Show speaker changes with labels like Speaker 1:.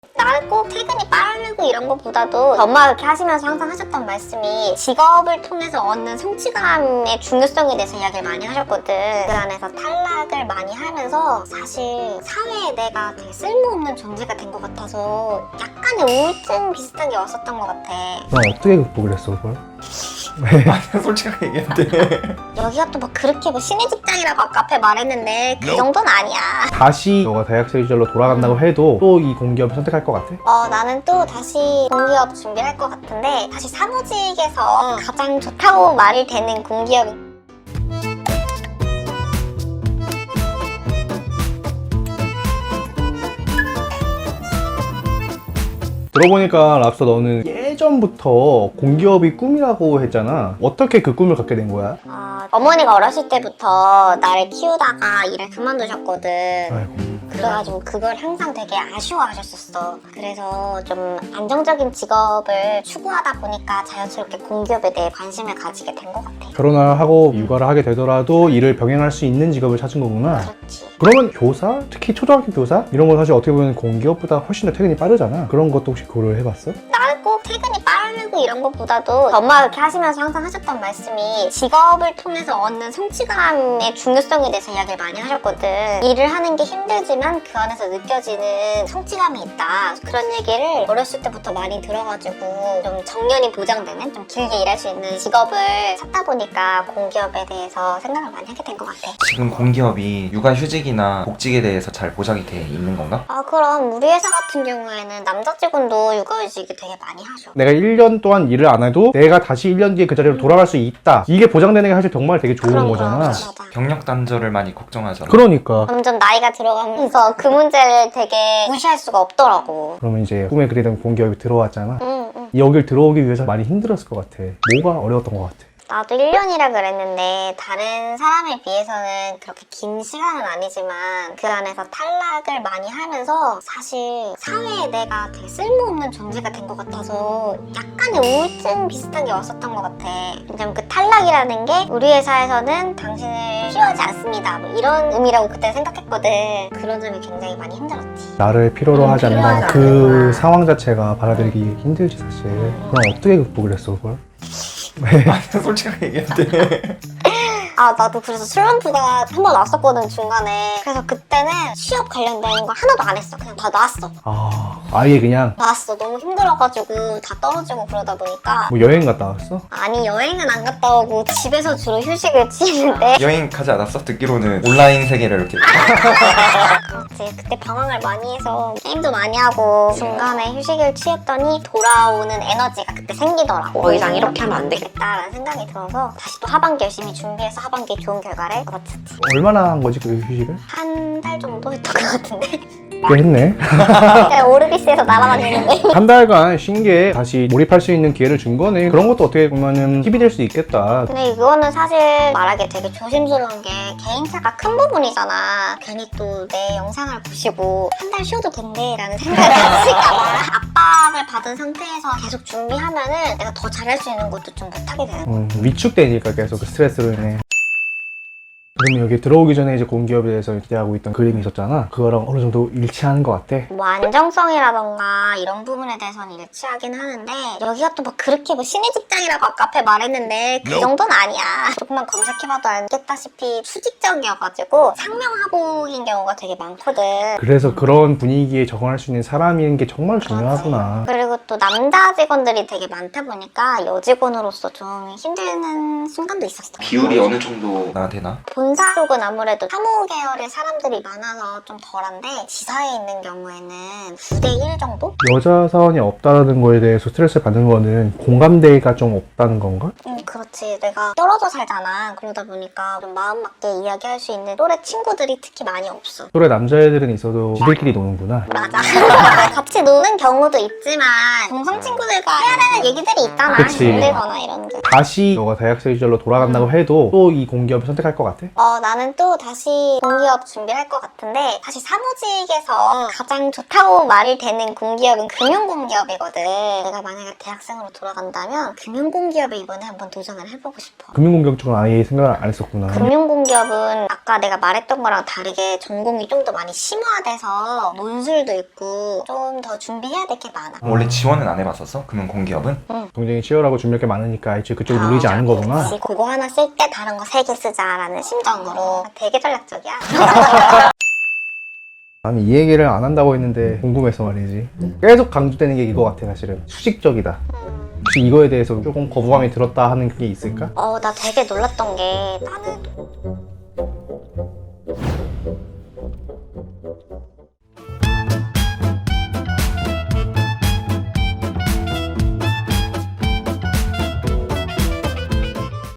Speaker 1: 나는 꼭 퇴근이 빠르고 이런 것보다도 엄마가 그렇게 하시면서 항상 하셨던 말씀이 직업을 통해서 얻는 성취감의 중요성에 대해서 이야기를 많이 하셨거든. 그 안에서 탈락을 많이 하면서 사실 사회에 내가 되게 쓸모없는 존재가 된 것 같아서 약간의 우울증 비슷한 게 왔었던 것 같아.
Speaker 2: 넌 어떻게 극복을 했어 그걸?
Speaker 3: 아니 솔직하게 얘기했는데
Speaker 1: 여기가 또 막 그렇게 뭐 신의 직장이라고 아까 앞에 말했는데 그 정도는 아니야.
Speaker 2: 다시 너가 대학생 시절로 돌아간다고 해도 또 이 공기업을 선택할 것 같아?
Speaker 1: 나는 또 다시 공기업 준비를 할 것 같은데 사실 사무직에서 가장 좋다고 말이 되는 공기업은
Speaker 2: 들어보니까 랍스터 너는 예전부터 공기업이 꿈이라고 했잖아. 어떻게 그 꿈을 갖게 된 거야?
Speaker 1: 어머니가 어렸을 때부터 나를 키우다가 일을 그만두셨거든.
Speaker 2: 아이고.
Speaker 1: 그래가지고 그걸 항상 되게 아쉬워하셨었어. 그래서 좀 안정적인 직업을 추구하다 보니까 자연스럽게 공기업에 대해 관심을 가지게 된 것 같아.
Speaker 2: 결혼을 하고 육아를 하게 되더라도 일을 병행할 수 있는 직업을 찾은 거구나.
Speaker 1: 그렇지.
Speaker 2: 그러면 교사? 특히 초등학교 교사? 이런 건 사실 어떻게 보면 공기업보다 훨씬 더 퇴근이 빠르잖아. 그런 것도 혹시 고려해봤어?
Speaker 1: 나는 꼭 퇴근이 빠르고 이런 것보다도 엄마가 그렇게 하시면서 항상 하셨던 말씀이 직업을 통해서 얻는 성취감의 중요성에 대해서 이야기를 많이 하셨거든. 일을 하는 게 힘들지만 그 안에서 느껴지는 성취감이 있다. 그런 얘기를 어렸을 때부터 많이 들어가지고 좀 정년이 보장되는 좀 길게 일할 수 있는 직업을 찾다 보니까 공기업에 대해서 생각을 많이 하게 된 것 같아.
Speaker 3: 지금 공기업이 육아휴직이나 복직에 대해서 잘 보장이 돼 있는 건가?
Speaker 1: 그럼 우리 회사 같은 경우에는 남자 직원도 육아휴직이 되게 많이 하죠.
Speaker 2: 내가 1년 동안 일을 안 해도 내가 다시 1년 뒤에 그 자리로 돌아갈 수 있다. 이게 보장되는 게 사실 정말 되게 좋은
Speaker 1: 그런
Speaker 2: 거잖아.
Speaker 1: 맞아.
Speaker 3: 경력 단절을 많이 걱정하잖아.
Speaker 2: 그러니까.
Speaker 1: 점점 나이가 들어가면서 그 문제를 되게 무시할 수가 없더라고.
Speaker 2: 그러면 이제 꿈에 그리던 공기업이 들어왔잖아.
Speaker 1: 응.
Speaker 2: 여길 들어오기 위해서 많이 힘들었을 것 같아. 뭐가 어려웠던 것 같아?
Speaker 1: 나도 1년이라 그랬는데 다른 사람에 비해서는 그렇게 긴 시간은 아니지만 그 안에서 탈락을 많이 하면서 사실 사회에 내가 되게 쓸모없는 존재가 된 것 같아서 약간의 우울증 비슷한 게 왔었던 것 같아. 왜냐면 그 탈락이라는 게 우리 회사에서는 당신을 필요하지 않습니다 뭐 이런 의미라고 그때 생각했거든. 그런 점이 굉장히 많이 힘들었지.
Speaker 2: 나를 필요로 하지 않는다는
Speaker 1: 필요하지
Speaker 2: 그
Speaker 1: 않는구나.
Speaker 2: 상황 자체가 받아들이기 힘들지 사실. 그럼 어떻게 극복을 했어 그걸?
Speaker 3: 아니 솔직하게 얘기했는데
Speaker 1: 나도 그래서 슬럼프가 한 번 왔었거든 중간에. 그래서 그때는 취업 관련된 거 하나도 안 했어. 그냥 다 놨어.
Speaker 2: 아예 그냥
Speaker 1: 놨어. 너무 힘들어가지고 다 떨어지고 그러다 보니까.
Speaker 2: 뭐 여행 갔다 왔어?
Speaker 1: 아니 여행은 안 갔다 오고 집에서 주로 휴식을 취했는데
Speaker 3: 여행 가지 않았어? 듣기로는 온라인 세계를 이렇게
Speaker 1: 그렇지. 그때 방황을 많이 해서 게임도 많이 하고 중간에 휴식을 취했더니 돌아오는 에너지가 그때 생기더라고. 더 이상 이렇게 하면 안 되겠다라는 생각이 들어서 다시 또 하반기 열심히 준비해서 하반기에 좋은 결과를 얻었지.
Speaker 2: 얼마나 한 거지 그 휴식을?
Speaker 1: 한 달 정도 했던 것 같은데.
Speaker 2: 꽤 했네.
Speaker 1: 그냥 오르비스에서 날아다니는데.
Speaker 2: 한 달간 쉰 게 다시 몰입할 수 있는 기회를 준 거네. 그런 것도 어떻게 보면은 팁이 될 수 있겠다.
Speaker 1: 근데 이거는 사실 말하기 되게 조심스러운 게 개인차가 큰 부분이잖아. 괜히 또 내 영상을 보시고 한 달 쉬어도 된대 라는 생각을 하실까봐 압박을 받은 상태에서 계속 준비하면은 내가 더 잘할 수 있는 것도 좀 못하게 되는 거야.
Speaker 2: 위축되니까 계속 그 스트레스로 인해. 그러면 여기 들어오기 전에 이제 공기업에 대해서 기대하고 있던 그림이 있었잖아. 그거랑 어느 정도 일치하는 것 같아.
Speaker 1: 뭐 안정성이라던가 이런 부분에 대해서는 일치하긴 하는데 여기가 또 뭐 그렇게 뭐 신의 직장이라고 아까 앞에 말했는데 그 정도는 아니야. 조금만 검색해봐도 알겠다시피 수직적이어가지고 상명하복인 경우가 되게 많거든.
Speaker 2: 그래서 그런 분위기에 적응할 수 있는 사람인 게 정말 중요하구나.
Speaker 1: 그리고 또 남자 직원들이 되게 많다 보니까 여직원으로서 좀 힘든 순간도 있었어.
Speaker 3: 비율이 어느 정도 나 되나?
Speaker 1: 본사 쪽은 아무래도 사무 계열의 사람들이 많아서 좀 덜한데 지사에 있는 경우에는 9대1 정도?
Speaker 2: 여자 사원이 없다는 거에 대해서 스트레스를 받는 거는 공감대가 좀 없다는 건가?
Speaker 1: 그렇지. 내가 떨어져 살잖아. 그러다 보니까 좀 마음 맞게 이야기할 수 있는 또래 친구들이 특히 많이 없어.
Speaker 2: 또래 남자애들은 있어도 지들끼리 노는구나.
Speaker 1: 맞아. 같이 노는 경우도 있지만 동성 친구들과 해야 되는 얘기들이 있잖아.
Speaker 2: 그치.
Speaker 1: 힘들거나 이런 게.
Speaker 2: 다시 너가 대학생 시절로 돌아간다고 해도 또 이 공기업을 선택할 것 같아?
Speaker 1: 나는 또 다시 공기업 준비할 것 같은데 사실 사무직에서 가장 좋다고 말이 되는 공기업은 금융공기업이거든. 내가 만약에 대학생으로 돌아간다면 금융공기업에 이번에 한번 도전을 해보고 싶어.
Speaker 2: 금융공격 쪽은 아예 생각을 안 했었구나.
Speaker 1: 금융공기업은 아까 내가 말했던 거랑 다르게 전공이 좀 더 많이 심화돼서 논술도 있고 좀 더 준비해야 될 게 많아.
Speaker 3: 원래 지원은 안 해봤었어? 그러면 공기업은?
Speaker 2: 경쟁이 치열하고 준비할 게 많으니까 애초에 그쪽을 노리지 않은 거구나.
Speaker 1: 그치, 그거 하나 쓸 때 다른 거 3개 쓰자라는 심정으로 되게 전략적이야.
Speaker 2: 나는 이 얘기를 안 한다고 했는데 궁금해서 말이지. 계속 강조되는 게 이거 같아 사실은. 수직적이다. 혹시 이거에 대해서 조금 거부감이 들었다 하는 게 있을까?
Speaker 1: 나 되게 놀랐던 게 나는